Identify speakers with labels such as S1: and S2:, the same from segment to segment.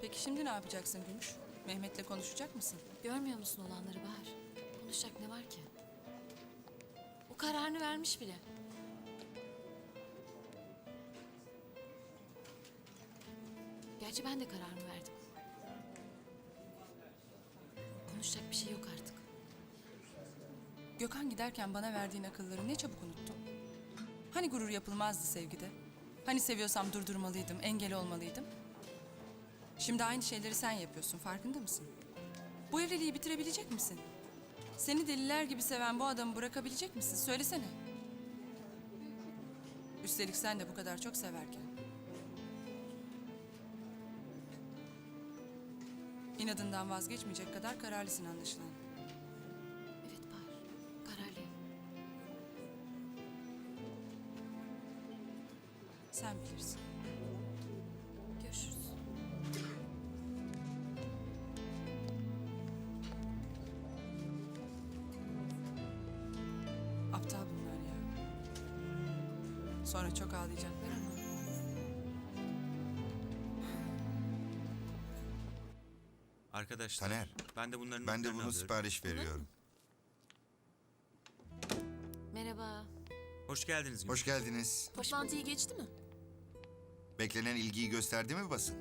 S1: Peki şimdi ne yapacaksın Gümüş? Mehmet'le konuşacak mısın?
S2: Görmüyor musun olanları Bahar? Konuşacak ne var ki? O kararını vermiş bile. Gerçi ben de kararımı verdim. Konuşacak bir şey yok artık.
S1: Gökhan giderken bana verdiğin akılları ne çabuk unuttun. Hani gurur yapılmazdı sevgide? Hani seviyorsam durdurmalıydım, engel olmalıydım? Şimdi aynı şeyleri sen yapıyorsun, farkında mısın? Bu evliliği bitirebilecek misin? Seni deliler gibi seven bu adamı bırakabilecek misin? Söylesene. Üstelik sen de bu kadar çok severken. İnadından vazgeçmeyecek kadar kararlısın anlaşılan.
S2: Evet Bahar, kararlıyım.
S1: Sen bilirsin.
S2: Görüşürüz.
S1: Aptal bunlar ya. Sonra çok ağlayacaklar ama.
S3: Arkadaşlar,
S4: Taner,
S3: ben de bunların
S4: Ben de
S3: notlarını
S4: bunu
S3: alıyorum.
S4: sipariş veriyorum.
S2: Merhaba.
S3: Hoş geldiniz.
S4: Hoş geldiniz.
S2: Toplantıyı geçti mi?
S4: Beklenen ilgiyi gösterdi mi basın?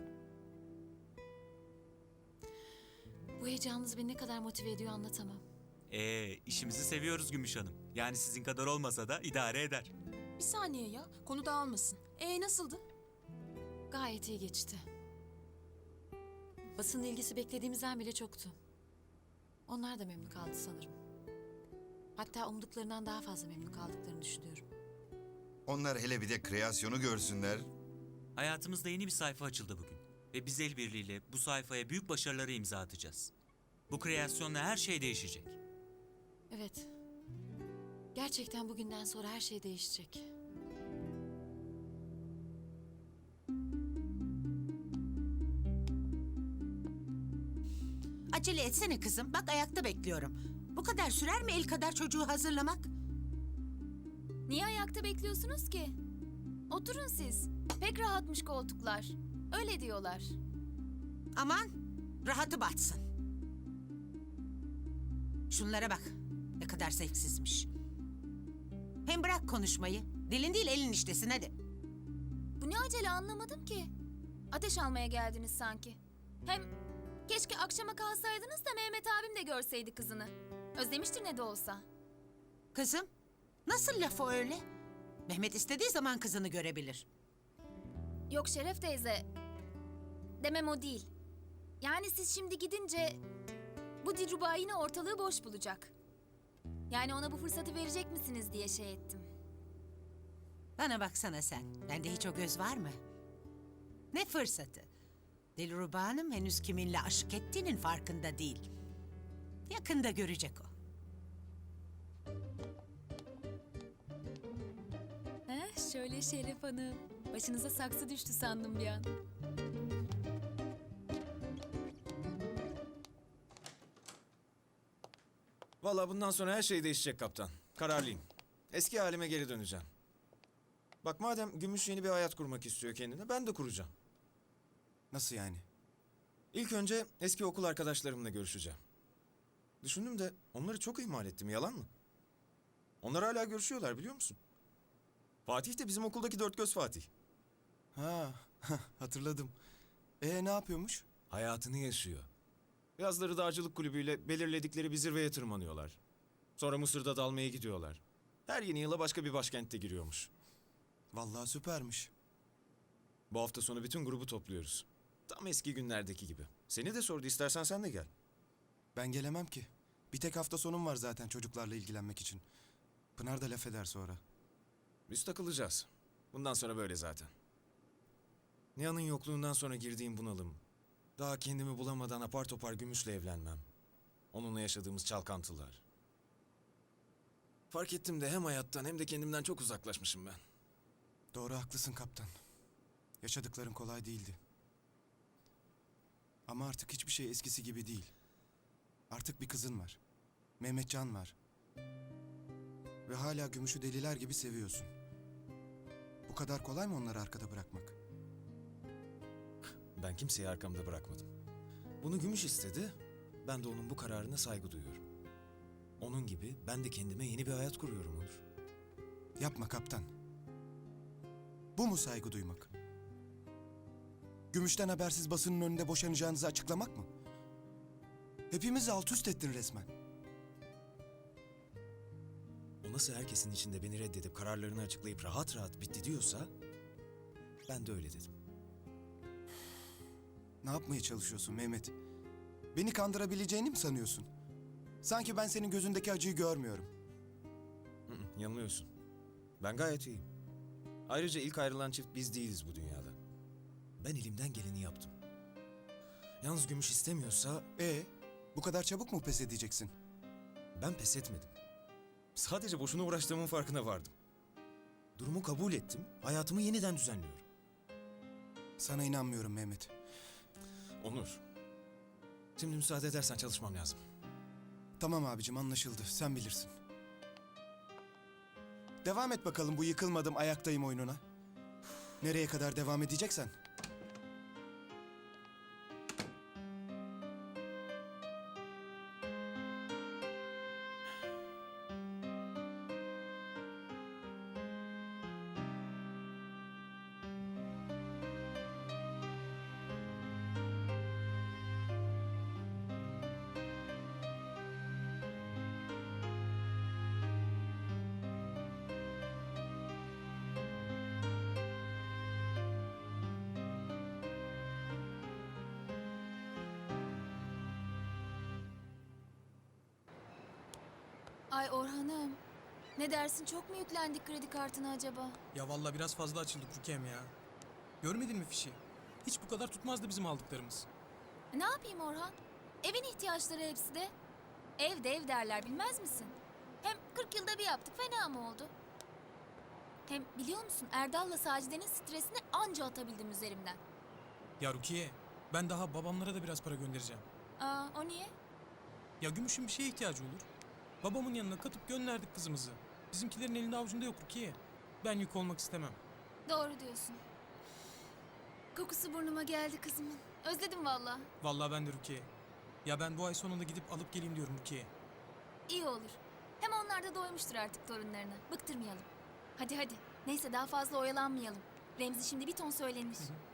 S2: Bu heyecanınız beni ne kadar motive ediyor anlatamam.
S3: İşimizi seviyoruz Gümüş Hanım. Yani sizin kadar olmasa da idare eder.
S5: Bir saniye ya, konu dağılmasın. Nasıldı?
S2: Gayet iyi geçti. Basının ilgisi beklediğimizden bile çoktu. Onlar da memnun kaldı sanırım. Hatta umduklarından daha fazla memnun kaldıklarını düşünüyorum.
S4: Onlar hele bir de kreasyonu görsünler.
S3: Hayatımızda yeni bir sayfa açıldı bugün. Ve biz el birliğiyle bu sayfaya büyük başarıları imza atacağız. Bu kreasyonla her şey değişecek.
S2: Evet. Gerçekten bugünden sonra her şey değişecek.
S6: Acele etsene kızım. Bak ayakta bekliyorum. Bu kadar sürer mi el kadar çocuğu hazırlamak?
S5: Niye ayakta bekliyorsunuz ki? Oturun siz. Pek rahatmış koltuklar. Öyle diyorlar.
S6: Aman rahatı batsın. Şunlara bak. Ne kadar zevksizmiş. Hem bırak konuşmayı. Dilin değil elin işlesin hadi.
S5: Bu ne acele anlamadım ki. Ateş almaya geldiniz sanki. Hem keşke akşama kalsaydınız da Mehmet abim de görseydi kızını. Özlemiştir ne de olsa.
S6: Kızım nasıl laf o öyle? Mehmet istediği zaman kızını görebilir.
S5: Yok Şeref teyze. Demem o değil. Yani siz şimdi gidince bu Dilruba yine ortalığı boş bulacak. Yani ona bu fırsatı verecek misiniz diye şey ettim.
S6: Bana baksana sen. Bende hiç o göz var mı? Ne fırsatı? Dilruba Hanım henüz kiminle aşık ettiğinin farkında değil. Yakında görecek o.
S5: Şöyle Şeref Hanım. Başınıza saksı düştü sandım bir an.
S7: Vallahi bundan sonra her şey değişecek kaptan. Kararlıyım. Eski halime geri döneceğim. Bak madem Gümüş yeni bir hayat kurmak istiyor kendine, ben de kuracağım.
S8: Nasıl yani?
S7: İlk önce eski okul arkadaşlarımla görüşeceğim. Düşündüm de onları çok ihmal ettim, yalan mı? Onlar hala görüşüyorlar biliyor musun? Fatih de bizim okuldaki dört göz Fatih.
S8: Ha, hatırladım. Ne yapıyormuş?
S7: Hayatını yaşıyor. Yazları dağcılık kulübüyle belirledikleri bir zirveye tırmanıyorlar. Sonra Mısır'da dalmaya gidiyorlar. Her yeni yıla başka bir başkentte giriyormuş.
S8: Vallahi süpermiş.
S7: Bu hafta sonu bütün grubu topluyoruz. Tam eski günlerdeki gibi. Seni de sordu, istersen sen de gel.
S8: Ben gelemem ki. Bir tek hafta sonum var zaten çocuklarla ilgilenmek için. Pınar da laf eder sonra.
S7: Biz takılacağız. Bundan sonra böyle zaten. Nihan'ın yokluğundan sonra girdiğim bunalım. Daha kendimi bulamadan apar topar Gümüş'le evlenmem. Onunla yaşadığımız çalkantılar. Fark ettim de hem hayattan hem de kendimden çok uzaklaşmışım ben.
S8: Doğru haklısın kaptan. Yaşadıkların kolay değildi. Ama artık hiçbir şey eskisi gibi değil. Artık bir kızın var. Mehmetcan var. Ve hala Gümüş'ü deliler gibi seviyorsun. Bu kadar kolay mı onları arkada bırakmak?
S7: Ben kimseyi arkamda bırakmadım. Bunu Gümüş istedi, ben de onun bu kararına saygı duyuyorum. Onun gibi ben de kendime yeni bir hayat kuruyorum Onur.
S8: Yapma kaptan. Bu mu saygı duymak? Gümüşten habersiz basının önünde boşanacağınızı açıklamak mı? Hepimizi alt üst ettin resmen.
S7: O nasıl herkesin içinde beni reddedip kararlarını açıklayıp rahat rahat bitti diyorsa, ben de öyle dedim.
S8: Ne yapmaya çalışıyorsun Mehmet? Beni kandırabileceğini mi sanıyorsun? Sanki ben senin gözündeki acıyı görmüyorum.
S7: Yanılıyorsun. Ben gayet iyiyim. Ayrıca ilk ayrılan çift biz değiliz bu dünyada. Ben elimden geleni yaptım. Yalnız Gümüş istemiyorsa
S8: Bu kadar çabuk mu pes edeceksin?
S7: ben pes etmedim. Sadece boşuna uğraştığımın farkına vardım. Durumu kabul ettim, hayatımı yeniden düzenliyorum.
S8: Sana inanmıyorum Mehmet.
S7: Onur, şimdi müsaade edersen çalışmam lazım.
S8: Tamam abicim, anlaşıldı. Sen bilirsin. Devam et bakalım bu yıkılmadım ayaktayım oyununa. Nereye kadar devam edeceksen.
S5: Ay Orhan'ım. Ne dersin, çok mu yüklendik kredi kartına acaba?
S9: Ya vallahi biraz fazla açıldık Rukiye'm ya. Görmedin mi fişi? Hiç bu kadar tutmazdı bizim aldıklarımız.
S5: Ne yapayım Orhan? Evin ihtiyaçları hepsi de. Ev de ev derler, bilmez misin? Hem 40 yılda bir yaptık, fena mı oldu? Hem biliyor musun, Erdal'la Sacide'nin stresini anca atabildim üzerimden.
S9: Ya Rukiye, ben daha babamlara da biraz para göndereceğim.
S5: Aa, o niye?
S9: Ya Gümüş'ün bir şeye ihtiyacı olur. Babamın yanına katıp gönderdik kızımızı. Bizimkilerin elinde avucunda yok Rukiye. Ben yük olmak istemem.
S5: Doğru diyorsun. Kokusu burnuma geldi kızımın. Özledim vallahi.
S9: Vallahi ben de Rukiye. Ya ben bu ay sonunda gidip alıp geleyim diyorum Rukiye.
S5: İyi olur. Hem onlar da doymuştur artık torunlarına. Bıktırmayalım. Hadi hadi. Neyse, daha fazla oyalanmayalım. Remzi şimdi bir ton söylenir.